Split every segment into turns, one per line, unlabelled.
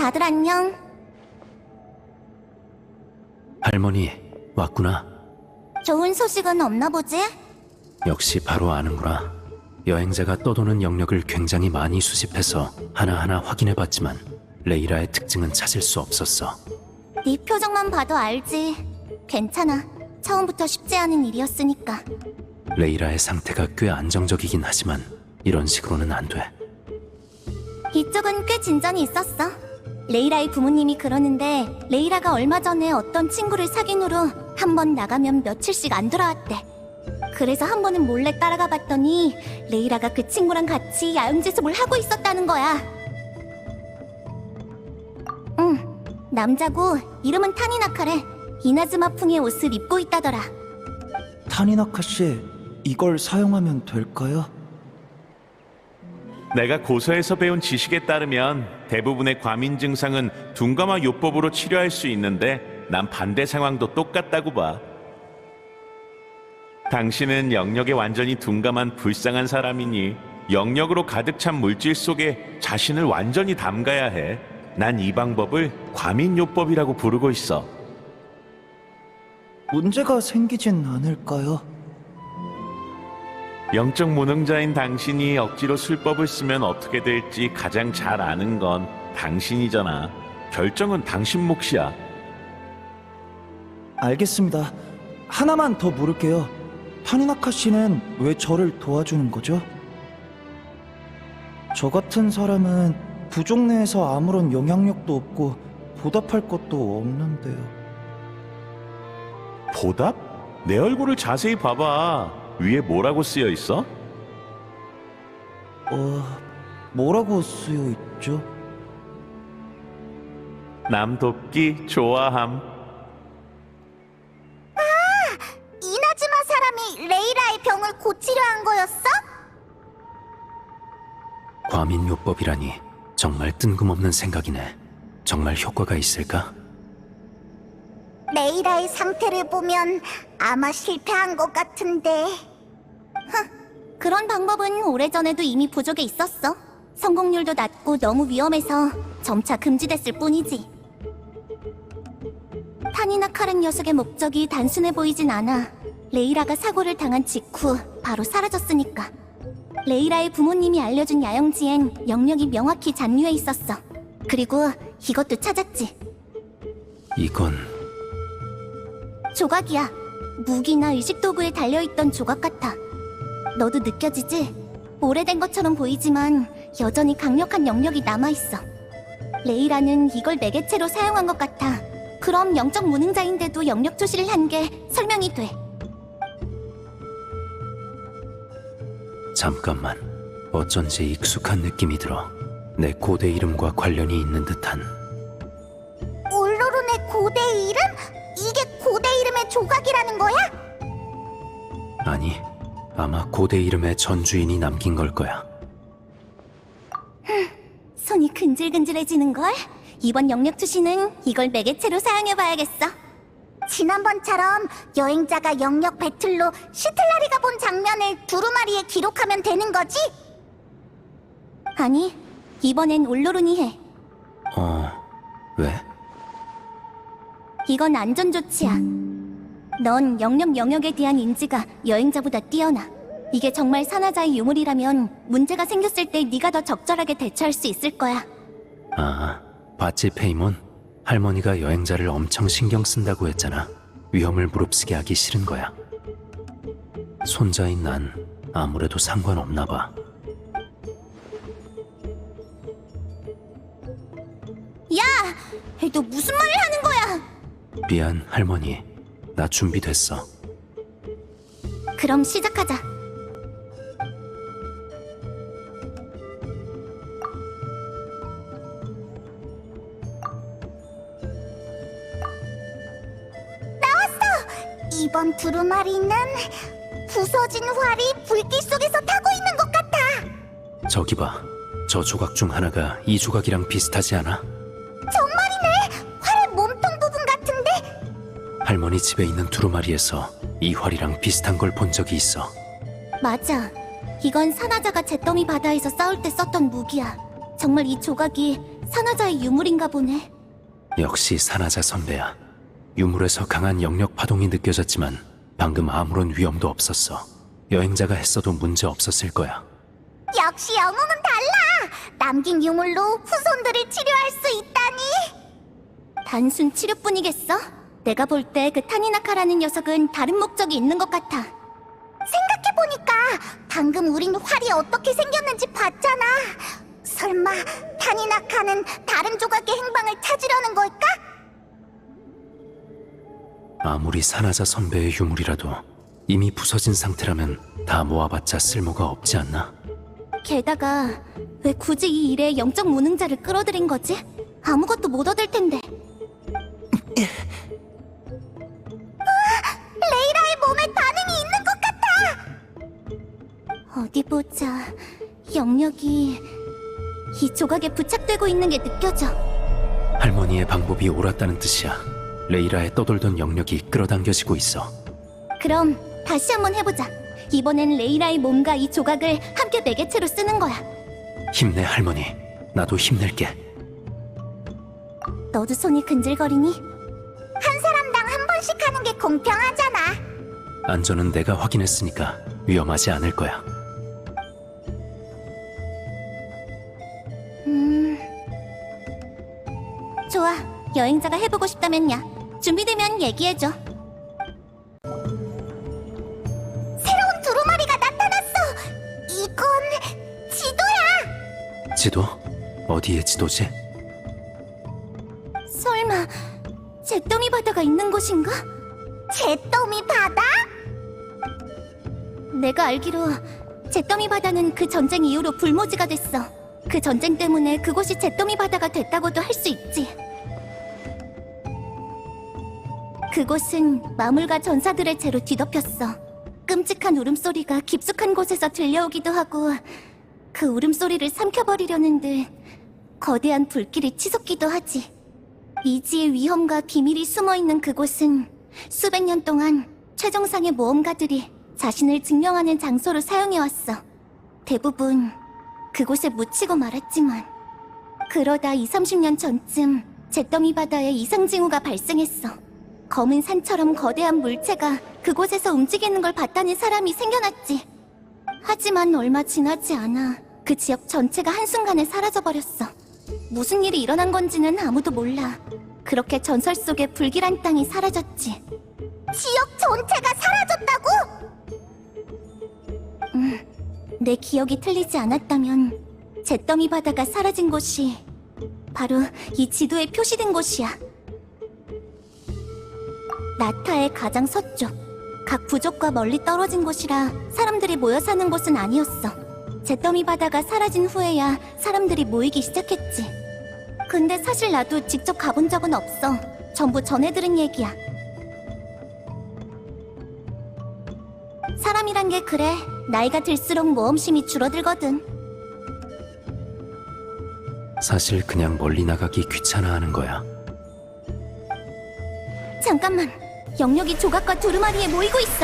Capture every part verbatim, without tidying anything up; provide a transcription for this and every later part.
다들 안녕.
할머니, 왔구나.
좋은 소식은 없나 보지?
역시 바로 아는구나. 여행자가 떠도는 영역을 굉장히 많이 수집해서 하나하나 확인해봤지만 레이라의 특징은 찾을 수 없었어.
네 표정만 봐도 알지. 괜찮아. 처음부터 쉽지 않은 일이었으니까.
레이라의 상태가 꽤 안정적이긴 하지만 이런 식으로는 안 돼.
이쪽은 꽤 진전이 있었어. 레이라의 부모님이 그러는데 레이라가 얼마 전에 어떤 친구를 사귄 후로 한 번 나가면 며칠씩 안 돌아왔대. 그래서 한 번은 몰래 따라가 봤더니 레이라가 그 친구랑 같이 야영제습을 하고 있었다는 거야. 응, 남자고 이름은 타니나카래. 이나즈마풍의 옷을 입고 있다더라.
타니나카 씨, 이걸 사용하면 될까요?
내가 고서에서 배운 지식에 따르면 대부분의 과민 증상은 둔감화 요법으로 치료할 수 있는데 난 반대 상황도 똑같다고 봐. 당신은 영역에 완전히 둔감한 불쌍한 사람이니 영역으로 가득 찬 물질 속에 자신을 완전히 담가야 해. 난 이 방법을 과민 요법이라고 부르고 있어.
문제가 생기진 않을까요?
영적 무능자인 당신이 억지로 술법을 쓰면 어떻게 될지 가장 잘 아는 건 당신이잖아. 결정은 당신 몫이야.
알겠습니다. 하나만 더 물을게요. 타니나카 씨는 왜 저를 도와주는 거죠? 저 같은 사람은 부족 내에서 아무런 영향력도 없고 보답할 것도 없는데요.
보답? 내 얼굴을 자세히 봐봐. 위에 뭐라고 쓰여 있어?
어... 뭐라고 쓰여 있죠?
남 돕기 좋아함.
이나즈마 사람이 레이라의 병을 고치려 한 거였어?
과민요법이라니 정말 뜬금없는 생각이네. 정말 효과가 있을까?
레이라의 상태를 보면 아마 실패한 것 같은데. 흥, 그런 방법은 오래전에도 이미 부족에 있었어. 성공률도 낮고 너무 위험해서 점차 금지됐을 뿐이지. 타니나카란 녀석의 목적이 단순해 보이진 않아. 레이라가 사고를 당한 직후 바로 사라졌으니까. 레이라의 부모님이 알려준 야영지엔 영역이 명확히 잔류해 있었어. 그리고 이것도 찾았지.
이건...
조각이야. 무기나 의식도구에 달려있던 조각 같아. 너도 느껴지지? 오래된 것처럼 보이지만 여전히 강력한 영역이 남아있어. 레이라는 이걸 매개체로 사용한 것 같아. 그럼 영적 무능자인데도 영역 조시를 한 게 설명이 돼.
잠깐만. 어쩐지 익숙한 느낌이 들어. 내 고대 이름과 관련이 있는 듯한...
울로룬의 고대 이름? 이게 고대 이름의 조각이라는 거야?
아니, 아마 고대 이름의 전주인이 남긴 걸 거야.
손이 근질근질해지는걸? 이번 영역 투시는 이걸 매개체로 사용해봐야겠어. 지난번처럼 여행자가 영역 배틀로 시틀라리가 본 장면을 두루마리에 기록하면 되는 거지? 아니, 이번엔 울로룬이 해.
어... 왜?
이건 안전 조치야. 넌 영역 영역에 대한 인지가 여행자보다 뛰어나. 이게 정말 산화자의 유물이라면 문제가 생겼을 때 네가 더 적절하게 대처할 수 있을 거야.
아, 봤지 페이몬? 할머니가 여행자를 엄청 신경 쓴다고 했잖아. 위험을 무릅쓰게 하기 싫은 거야. 손자인 난 아무래도 상관없나 봐.
야! 너 무슨 말을 하는 거야?
미안, 할머니. 나 준비됐어.
그럼 시작하자. 나왔어! 이번 두루마리는 부서진 활이 불길 속에서 타고 있는 것 같아.
저기 봐. 저 조각 중 하나가 이 조각이랑 비슷하지 않아?
정말이네! 활의 몸통 부분 같은데?
할머니 집에 있는 두루마리에서 이 활이랑 비슷한 걸 본 적이 있어.
맞아. 이건 산화자가 잿더미 바다에서 싸울 때 썼던 무기야. 정말 이 조각이 산화자의 유물인가 보네.
역시 산하자 선배야. 유물에서 강한 영역 파동이 느껴졌지만 방금 아무런 위험도 없었어. 여행자가 했어도 문제 없었을 거야.
역시 영웅은 달라! 남긴 유물로 후손들을 치료할 수 있다니! 단순 치료뿐이겠어? 내가 볼 때 그 타니나카라는 녀석은 다른 목적이 있는 것 같아. 생각해보니까 방금 우린 활이 어떻게 생겼는지 봤잖아. 설마 타니나카는 다른 조각의 행방을 찾으려는 걸까?
아무리 산하자 선배의 유물이라도 이미 부서진 상태라면 다 모아봤자 쓸모가 없지 않나?
게다가 왜 굳이 이 일에 영적 무능자를 끌어들인 거지? 아무것도 못 얻을 텐데. 레이라의 몸에 반응이 있는 것 같아! 어디 보자. 영역이 이 조각에 부착되고 있는 게 느껴져.
할머니의 방법이 옳았다는 뜻이야. 레이라의 떠돌던 영역이 끌어당겨지고 있어.
그럼 다시 한번 해보자. 이번엔 레이라의 몸과 이 조각을 함께 매개체로 쓰는 거야.
힘내 할머니. 나도 힘낼게.
너도 손이 근질거리니? 한 사람당 한 번씩 하는 게 공평하잖아.
안전은 내가 확인했으니까 위험하지 않을 거야.
음... 좋아. 여행자가 해보고 싶다면야. 준비되면 얘기해줘. 새로운 두루마리가 나타났어! 이건... 지도야!
지도? 어디의 지도지?
설마... 잿더미 바다가 있는 곳인가? 잿더미 바다? 내가 알기로 잿더미 바다는 그 전쟁 이후로 불모지가 됐어. 그 전쟁 때문에 그곳이 잿더미 바다가 됐다고도 할 수 있지. 그곳은 마물과 전사들의 죄로 뒤덮였어. 끔찍한 울음소리가 깊숙한 곳에서 들려오기도 하고 그 울음소리를 삼켜버리려는 듯 거대한 불길이 치솟기도 하지. 미지의 위험과 비밀이 숨어있는 그곳은 수백 년 동안 최정상의 모험가들이 자신을 증명하는 장소로 사용해왔어. 대부분 그곳에 묻히고 말았지만 그러다 이삼십 년 전쯤 잿더미 바다에 이상징후가 발생했어. 검은 산처럼 거대한 물체가 그곳에서 움직이는 걸 봤다는 사람이 생겨났지. 하지만 얼마 지나지 않아 그 지역 전체가 한순간에 사라져버렸어. 무슨 일이 일어난 건지는 아무도 몰라. 그렇게 전설 속의 불길한 땅이 사라졌지. 지역 전체가 사라졌다고? 음, 내 기억이 틀리지 않았다면 잿더미 바다가 사라진 곳이 바로 이 지도에 표시된 곳이야. 나타의 가장 서쪽, 각 부족과 멀리 떨어진 곳이라 사람들이 모여 사는 곳은 아니었어. 잿더미 바다가 사라진 후에야 사람들이 모이기 시작했지. 근데 사실 나도 직접 가본 적은 없어. 전부 전해 들은 얘기야. 사람이란 게 그래. 나이가 들수록 모험심이 줄어들거든.
사실 그냥 멀리 나가기 귀찮아하는 거야.
잠깐만. 영역이 조각과 두루마리에 모이고 있어.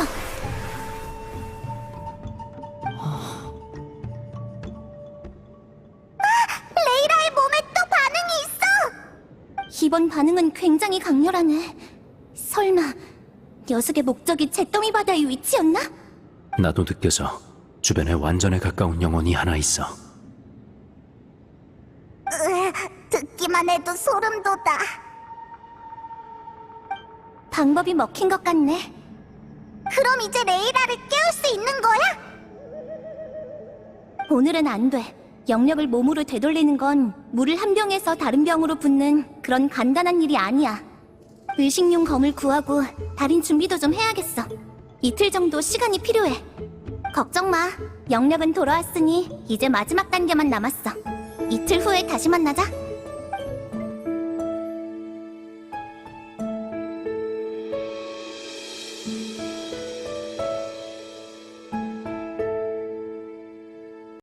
레이라의 몸에 또 반응이 있어! 이번 반응은 굉장히 강렬하네. 설마 녀석의 목적이 잿더미 바다의 위치였나?
나도 느껴져. 주변에 완전에 가까운 영혼이 하나 있어.
으, 듣기만 해도 소름 돋아. 방법이 먹힌 것 같네. 그럼 이제 레이라를 깨울 수 있는 거야? 오늘은 안 돼. 영역을 몸으로 되돌리는 건 물을 한 병에서 다른 병으로 붓는 그런 간단한 일이 아니야. 의식용 검을 구하고 달인 준비도 좀 해야겠어. 이틀 정도 시간이 필요해. 걱정 마. 영역은 돌아왔으니 이제 마지막 단계만 남았어. 이틀 후에 다시 만나자.